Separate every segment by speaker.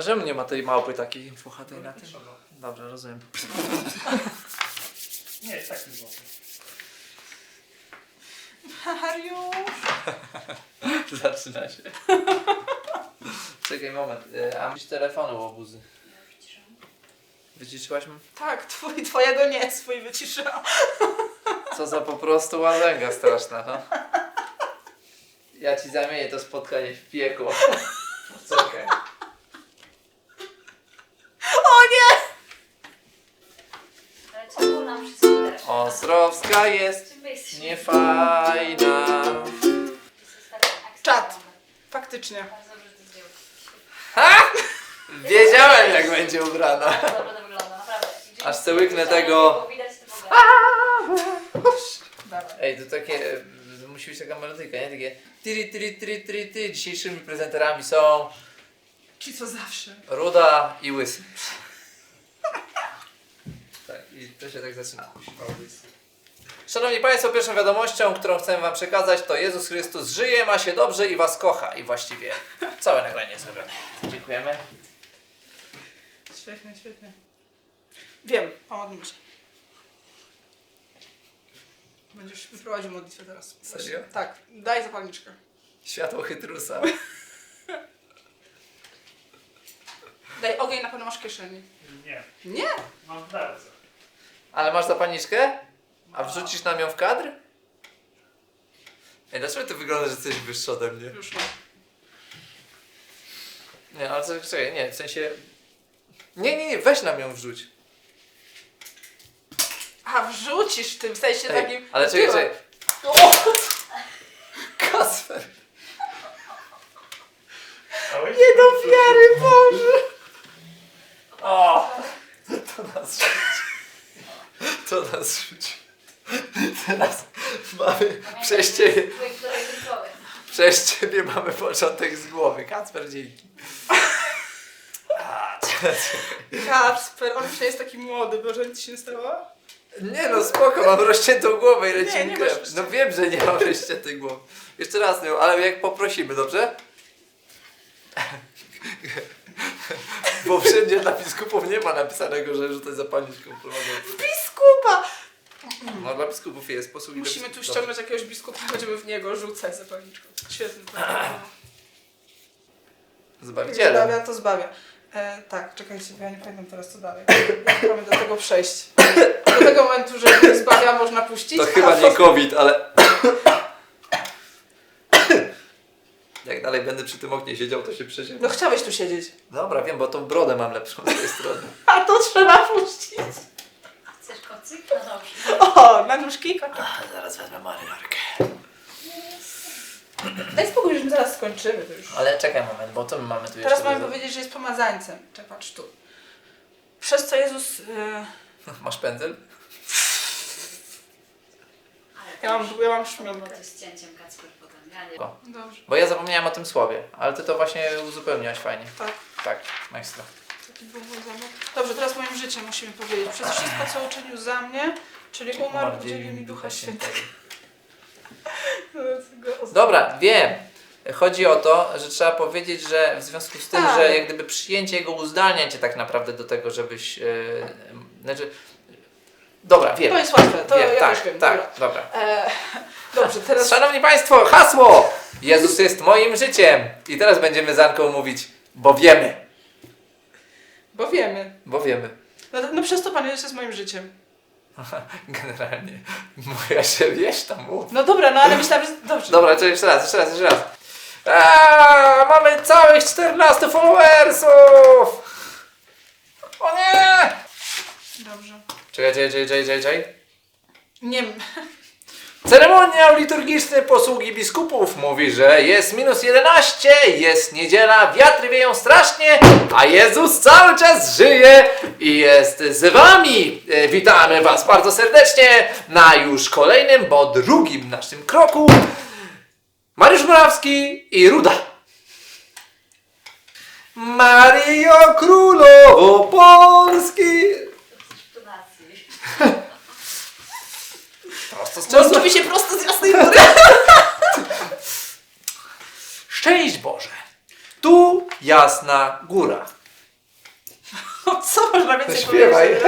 Speaker 1: czemu nie ma tej małpy takiej puchatej na tym? Dobrze, rozumiem.
Speaker 2: Nie, tak nie było.
Speaker 3: Mariusz!
Speaker 1: Zaczyna się. Czekaj moment, a myśl telefonu łobuzy. Wyciszyłaś mnie?
Speaker 3: Tak, twojego nie, swój wyciszyłam.
Speaker 1: Co za po prostu łazęga straszna, no. Ja ci zamienię to spotkanie w piekło. Czekaj.
Speaker 3: O nie!
Speaker 4: Ale czemu nam wszystko teraz?
Speaker 1: Ostrowska jest
Speaker 4: Czym my jesteśmy?
Speaker 1: niefajna.
Speaker 3: Czad. Faktycznie.
Speaker 4: Bardzo dobrze, że to zdjął.
Speaker 1: Ha! Wiedziałem jak będzie ubrana.
Speaker 4: Bardzo dobrze to wygląda, naprawdę.
Speaker 1: Aż se łyknę tego.
Speaker 4: Było widać to w ogóle.
Speaker 3: Dawaj.
Speaker 1: Ej, to takie, musi być taka melodyka, nie? Takie tiri tiri tiri tiri tiri. Dzisiejszymi prezenterami są
Speaker 3: Ci co zawsze.
Speaker 1: Ruda i Łysy. Tak, i to się tak zaczyna. Szanowni Państwo, pierwszą wiadomością, którą chcę Wam przekazać, to Jezus Chrystus żyje, ma się dobrze i Was kocha. I właściwie całe nagranie jest zrobione. Dziękujemy.
Speaker 3: Świetnie, świetnie. Wiem, pomodlmy się. Będziesz wyprowadził modlitwę teraz.
Speaker 1: Serio?
Speaker 3: Tak, daj zapalniczkę.
Speaker 1: Światło chytrusa.
Speaker 3: Daj ogień, na pewno masz w kieszeni.
Speaker 2: Nie,
Speaker 3: Nie?
Speaker 2: mam bardzo.
Speaker 1: Ale masz zapalniczkę? A wrzucisz nam ją w kadr? Ej, dlaczego ty wygląda, że jesteś wyższy ode mnie?
Speaker 3: Już mam.
Speaker 1: Nie, ale czekaj, nie, w sensie... Nie, weź nam ją wrzuć.
Speaker 3: A wrzucisz w tym sensie
Speaker 1: Ej,
Speaker 3: takim...
Speaker 1: ale czekaj,
Speaker 3: Tyłem.
Speaker 1: czekaj.
Speaker 3: O!
Speaker 1: Kasper!
Speaker 3: Nie do wiary, Boże!
Speaker 1: O! To nas rzuci. To nas rzuci. Teraz mamy przez ciebie, przez ciebie mamy początek z głowy. Kacper, dzięki. A, czekaj.
Speaker 3: Kacper, on już nie jest taki młody, Boże, nic się nie stało?
Speaker 1: Nie no, spoko, mam rozciętą głowę i leci
Speaker 3: Nie,
Speaker 1: mi
Speaker 3: nie
Speaker 1: krew.
Speaker 3: masz rozciętej.
Speaker 1: No wiem, że nie mam rozciętej głowy. Jeszcze raz, no, ale jak poprosimy, dobrze? Bo wszędzie dla biskupów nie ma napisanego, że rzucać zapalniczką prowadzą.
Speaker 3: Biskupa!
Speaker 1: No dla biskupów jest, posługi.
Speaker 3: Musimy tu ściągnąć jakiegoś biskupa, będziemy w niego rzucać zapalniczką. Świetny plan.
Speaker 1: Zbawicielem.
Speaker 3: Zbawia, to zbawia. Tak, czekajcie, bo ja nie pamiętam teraz co dalej. Jak mamy do tego przejść? Do tego momentu, że jak zbawia, można puścić.
Speaker 1: To chyba nie COVID, ale... Jak dalej będę przy tym oknie siedział, to się przesiedzę.
Speaker 3: No chciałeś tu siedzieć.
Speaker 1: Dobra, wiem, bo tą brodę mam lepszą z tej strony.
Speaker 3: A to trzeba puścić.
Speaker 4: Chcesz kocyk? No dobrze.
Speaker 3: O, na nóżki kotek.
Speaker 1: Zaraz wezmę marynarkę.
Speaker 3: Daj spokój, już my zaraz skończymy to już.
Speaker 1: Ale czekaj moment, bo to my mamy tu
Speaker 3: Teraz
Speaker 1: jeszcze...
Speaker 3: mamy powiedzieć, że jest pomazańcem. Czekaj, patrz tu. Przez co Jezus...
Speaker 1: Masz pędzel?
Speaker 4: Ale
Speaker 3: Ja mam szminkę.
Speaker 4: to z cięciem Kacper potem. Ja nie.
Speaker 1: O.
Speaker 3: Dobrze.
Speaker 1: Bo ja zapomniałem o tym słowie, ale ty to właśnie uzupełniałaś fajnie.
Speaker 3: Tak.
Speaker 1: Tak, maestro.
Speaker 3: Taki był mój zamysł. Dobrze, teraz moim życiem musimy powiedzieć. Przez wszystko, co uczynił za mnie, czyli umarł, udzielił mi Ducha Świętego.
Speaker 1: Dobra, wiem. Chodzi o to, że trzeba powiedzieć, że w związku z tym,
Speaker 3: Tak.
Speaker 1: że jak gdyby przyjęcie Jego uzdalnia cię tak naprawdę do tego, żebyś... znaczy... Dobra, wiem.
Speaker 3: To jest łatwe, to
Speaker 1: Wiem,
Speaker 3: ja
Speaker 1: tak,
Speaker 3: też wiem.
Speaker 1: tak,
Speaker 3: Dobra.
Speaker 1: dobra.
Speaker 3: Dobrze, teraz...
Speaker 1: Szanowni Państwo, hasło! Jezus jest moim życiem. I teraz będziemy z Anką mówić, bo wiemy.
Speaker 3: Bo wiemy.
Speaker 1: Bo wiemy.
Speaker 3: No przez to Pan Jezus jest moim życiem.
Speaker 1: Generalnie. Moja się wieś tam mów.
Speaker 3: No dobra, no ale myślałem, że... Dobrze.
Speaker 1: Dobra, to jeszcze raz. Mamy całych 14 followersów! O nie!
Speaker 3: Dobrze.
Speaker 1: Czekaj.
Speaker 3: Nie wiem.
Speaker 1: Ceremoniał liturgiczny posługi biskupów mówi, że jest -11, jest niedziela, wiatry wieją strasznie, a Jezus cały czas żyje i jest z wami. Witamy was bardzo serdecznie na już kolejnym, bo drugim naszym kroku Mariusz Morawski i Ruda. Maryjo Królowo Polski.
Speaker 4: Donacji.
Speaker 1: Prosto z
Speaker 3: To mówi się prosto z Jasnej Góry.
Speaker 1: Szczęść Boże! Tu Jasna Góra.
Speaker 3: O co można więcej
Speaker 1: Śpiewaj.
Speaker 3: powiedzieć?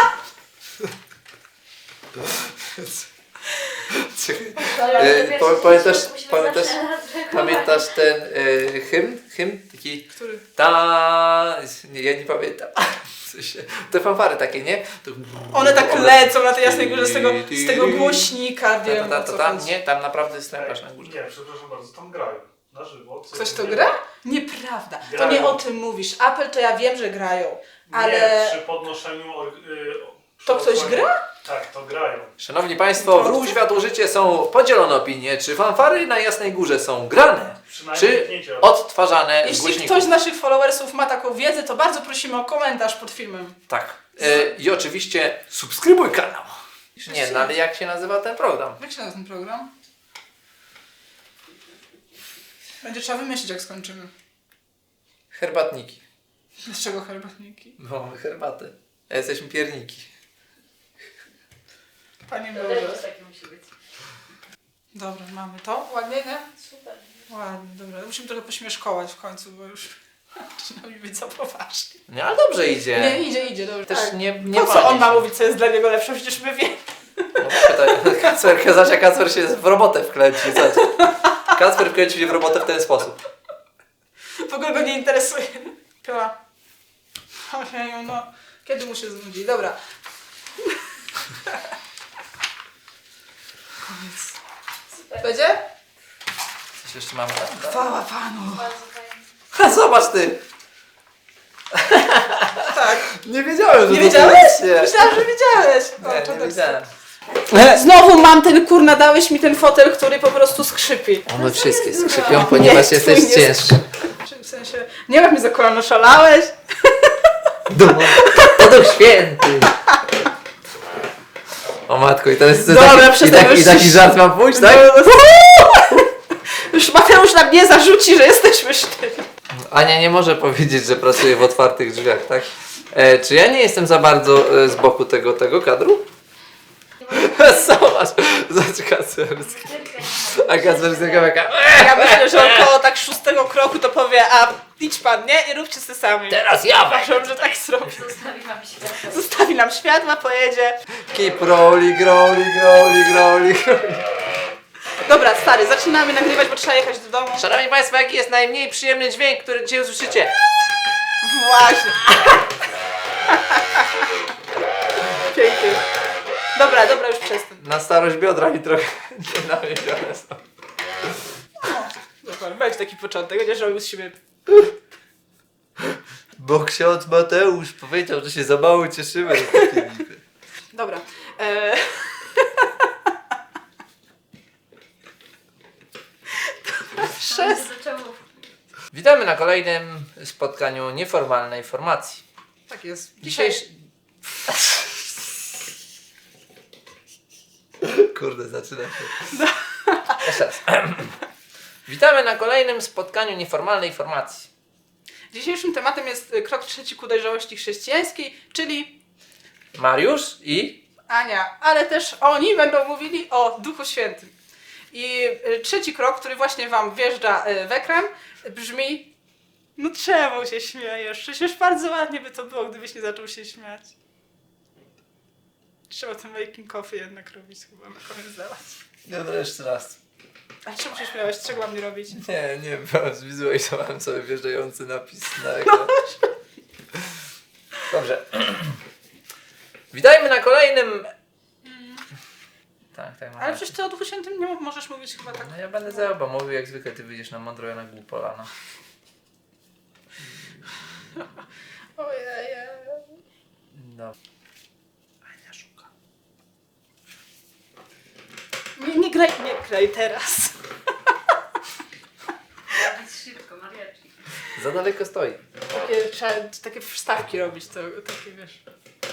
Speaker 1: Pamiętasz ten hymn? Taki
Speaker 3: Który?
Speaker 1: nie, ja nie pamiętam. W sensie, te fanfary takie, nie? To...
Speaker 3: One tak lecą na tej Jasnej Górze z tego głośnika, wiem o co chodzi.
Speaker 1: Nie, tam naprawdę jest najlepsze na górze.
Speaker 2: Nie, przepraszam bardzo, tam grają. Na żywo.
Speaker 3: Ktoś to gra? Nieprawda. To
Speaker 2: Grają.
Speaker 3: nie o tym mówisz. Apple to ja wiem, że grają, ale...
Speaker 2: Nie, przy podnoszeniu...
Speaker 3: To ktoś gra?
Speaker 2: Tak, to grają.
Speaker 1: Szanowni Państwo, w Ruch Światło Życie są podzielone opinie, czy fanfary na Jasnej Górze są grane,
Speaker 2: Przynajmniej
Speaker 1: czy
Speaker 2: zdjęcie.
Speaker 1: odtwarzane z
Speaker 3: Jeśli
Speaker 1: głośników.
Speaker 3: ktoś z naszych followersów ma taką wiedzę, to bardzo prosimy o komentarz pod filmem.
Speaker 1: Tak. I oczywiście subskrybuj kanał. Nie, no ale jak się nazywa ten program?
Speaker 3: Jak się nazywa ten program? Będzie trzeba wymyślić, jak skończymy.
Speaker 1: Herbatniki.
Speaker 3: Dlaczego herbatniki?
Speaker 1: Bo mamy herbatę. A jesteśmy pierniki.
Speaker 3: Panie
Speaker 4: To
Speaker 3: Boże.
Speaker 4: też takie musi być.
Speaker 3: Dobra, mamy to. Ładnie, nie?
Speaker 4: Super.
Speaker 3: Ładnie, dobra. Musimy trochę pośmieszkować w końcu, bo już zaczyna mi być za poważnie.
Speaker 1: Nie, ale dobrze idzie.
Speaker 3: Nie, idzie, dobrze.
Speaker 1: Też
Speaker 3: tak.
Speaker 1: nie
Speaker 3: Po co
Speaker 1: wali
Speaker 3: on ma
Speaker 1: się.
Speaker 3: mówić, co jest dla niego lepsze? Przecież my wiemy.
Speaker 1: No, pytaj, Kacper się w robotę wkręci. Kacper wkręcił się w robotę w ten sposób.
Speaker 3: W ogóle go nie interesuje. Piła. Ojeju, no. Kiedy mu się znudzi? Dobra. Koniec.
Speaker 4: Super.
Speaker 3: Będzie?
Speaker 1: Coś jeszcze mamy tam?
Speaker 3: Chwała Panu.
Speaker 4: Bardzo fajnie.
Speaker 1: Ha, zobacz ty!
Speaker 3: Tak.
Speaker 1: Nie wiedziałem, że
Speaker 3: Nie
Speaker 1: to
Speaker 3: wiedziałeś?
Speaker 1: Nie,
Speaker 3: Myślałam, że wiedziałeś. O,
Speaker 1: nie,
Speaker 3: to
Speaker 1: nie
Speaker 3: tak.
Speaker 1: wiedziałem.
Speaker 3: Znowu mam ten kurna, dałeś mi ten fotel, który po prostu skrzypi.
Speaker 1: One wszystkie
Speaker 3: No.
Speaker 1: skrzypią, ponieważ
Speaker 3: Nie,
Speaker 1: jesteś
Speaker 3: twój nie
Speaker 1: ciężka.
Speaker 3: W sensie, nie wiem, jak mnie za kolano szalałeś.
Speaker 1: To Duch Święty! O matko, i teraz
Speaker 3: Dobra, przestań
Speaker 1: i taki
Speaker 3: już-
Speaker 1: żart mam pójść, tak?
Speaker 3: Już Mateusz na mnie zarzuci, że jesteśmy sztywni.
Speaker 1: Ania nie może powiedzieć, że pracuje w otwartych drzwiach, tak? Czy ja nie jestem za bardzo z boku tego kadru? Zobacz Kacperski. A Kacperski jaka...
Speaker 3: Ja myślę, że około tak 6 kroku to powie, a idź pan, nie? I róbcie sobie sami.
Speaker 1: Teraz ja
Speaker 3: Uważam, że tak zrobi.
Speaker 4: Zostawi wam światło.
Speaker 3: Zostawi nam światła, pojedzie.
Speaker 1: Keep rolling, rolling, rolling, rolling.
Speaker 3: Dobra, stary, zaczynamy nagrywać, bo trzeba jechać do domu.
Speaker 1: Szanowni Państwo, jaki jest najmniej przyjemny dźwięk, który dzisiaj usłyszycie?
Speaker 3: Właśnie. Pięknie. Dobra, już przestań.
Speaker 1: Na starość biodra mi trochę nawiedzione są.
Speaker 3: Dobra, weź taki początek, będziesz robił z siebie.
Speaker 1: Bo ksiądz Mateusz powiedział, że się za mało cieszymy.
Speaker 3: Dobra.
Speaker 4: Wszyscy zaczęło.
Speaker 1: Witamy na kolejnym spotkaniu nieformalnej formacji.
Speaker 3: Tak jest.
Speaker 1: Dzisiejszy... Kurde, zaczyna się. Jeszcze raz. Witamy na kolejnym spotkaniu nieformalnej formacji.
Speaker 3: Dzisiejszym tematem jest krok trzeci ku dojrzałości chrześcijańskiej, czyli
Speaker 1: Mariusz i...
Speaker 3: Ania, ale też oni będą mówili o Duchu Świętym. I trzeci krok, który właśnie wam wjeżdża w ekran, brzmi: no czemu się śmiejesz? Przecież bardzo ładnie by to było, gdybyś nie zaczął się śmiać. Trzeba ten making coffee jednak robić chyba na koniec dawać.
Speaker 1: Dobra, jeszcze raz.
Speaker 3: A czemu się śmiałeś? Czego mam nie robić?
Speaker 1: Nie, zwizualizowałem sobie wjeżdżający napis na ekran. Dobrze. Witajmy na kolejnym... Tak,
Speaker 3: Ale
Speaker 1: mam.
Speaker 3: przecież ty o Duchu Świętym nie możesz mówić chyba tak.
Speaker 1: No ja będę za oba mówił, jak zwykle ty wyjdziesz na mądro, ja na głupolana.
Speaker 3: Ojej.
Speaker 1: No. Ania szuka.
Speaker 3: Nie graj teraz.
Speaker 4: Więc szybko, mariachi.
Speaker 1: Za daleko stoi.
Speaker 3: Trzeba takie wstawki robić, to takie wiesz.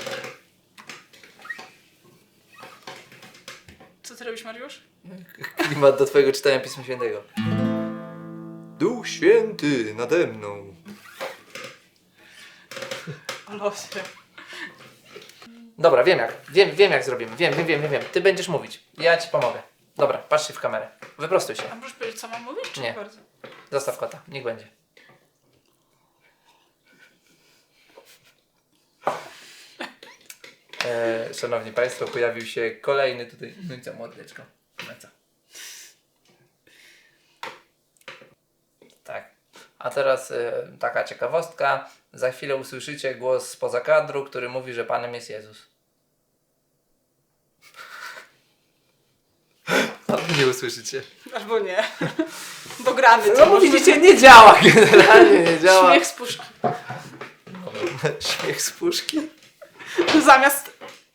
Speaker 3: Co ty robisz, Mariusz?
Speaker 1: Klimat do twojego czytania Pisma Świętego. Duch Święty nade mną.
Speaker 3: O losie.
Speaker 1: Dobra, wiem jak zrobimy. Wiem. Ty będziesz mówić. Ja ci pomogę. Dobra, patrzcie w kamerę. Wyprostuj się.
Speaker 3: A możesz powiedzieć, co mam mówić? Czy
Speaker 1: Nie.
Speaker 3: bardzo?
Speaker 1: Zostaw kota. Niech będzie. Szanowni Państwo, pojawił się kolejny tutaj... No i co, mordeczko? No i co? Tak. A teraz taka ciekawostka. Za chwilę usłyszycie głos spoza kadru, który mówi, że Panem jest Jezus. Albo nie usłyszycie.
Speaker 3: Albo nie. Dogramy to.
Speaker 1: No bo
Speaker 3: możemy-
Speaker 1: widzicie, nie działa. Generalnie nie działa.
Speaker 3: Śmiech z puszki.
Speaker 1: Śmiech z puszki.
Speaker 3: Zamiast...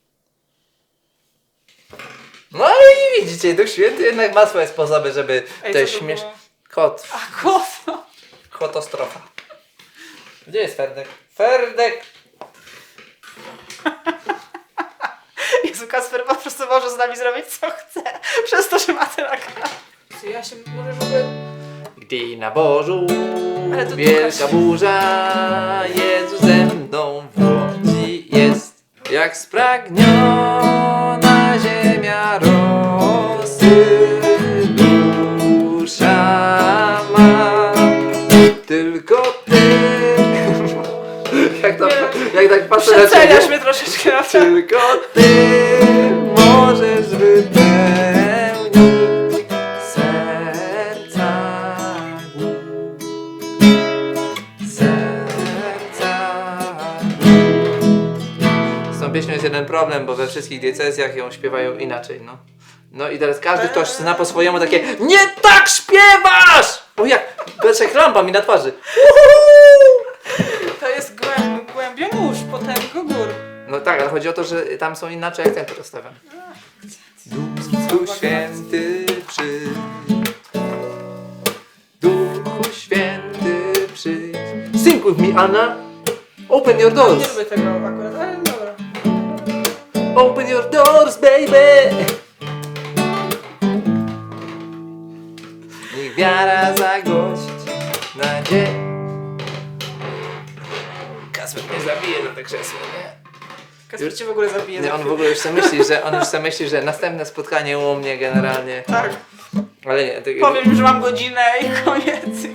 Speaker 1: No i widzicie, Duch Święty jednak ma swoje sposoby, żeby
Speaker 3: Ej,
Speaker 1: te
Speaker 3: co to
Speaker 1: śmieszne...
Speaker 3: było?
Speaker 1: Kot.
Speaker 3: A kofa.
Speaker 1: Kotostrofa. Gdzie jest Ferdek? Ferdek!
Speaker 3: Jezu, Kasper po prostu może z nami zrobić co chce. Przez to, że ma ten akad. Ja się może w ogóle...
Speaker 1: Gdy na Bożu
Speaker 3: Ale to
Speaker 1: wielka
Speaker 3: Łukasz.
Speaker 1: burza, Jezus ze mną w łodzi jest. Jak spragniona ziemia rosy dusza ma. Tylko ty. Jak tak patrzę na
Speaker 3: Przeceniasz
Speaker 1: ciebie.
Speaker 3: mnie troszeczkę na to.
Speaker 1: Tylko ty możesz wypełnić serca głód. Serca głód. Z tą pieśnią jest jeden problem, bo we wszystkich diecezjach ją śpiewają inaczej, no. No i teraz każdy ktoś zna po swojemu takie nie tak śpiewasz! O jak, Beczek lampa mi na twarzy.
Speaker 3: To jest głębiomórz, potęgo gór.
Speaker 1: No tak, ale chodzi o to, że tam są inaczej akcenty rozstawione. Duchu Święty przyjdź. Duchu Święty przyjdź. Sing with me, Anna. Open your
Speaker 3: Nie
Speaker 1: doors.
Speaker 3: lubię tego akurat, ale dobra.
Speaker 1: Open your doors, baby. Niech wiara zagości nadzieję. Kasper mnie zabije na te krzesło, nie?
Speaker 3: Kasper cię w ogóle zabije.
Speaker 1: Nie,
Speaker 3: za
Speaker 1: on w
Speaker 3: chwilę.
Speaker 1: ogóle już sobie myśli, że następne spotkanie u mnie generalnie.
Speaker 3: Tak.
Speaker 1: Ale nie,
Speaker 3: Powiem, że mam godzinę i koniec.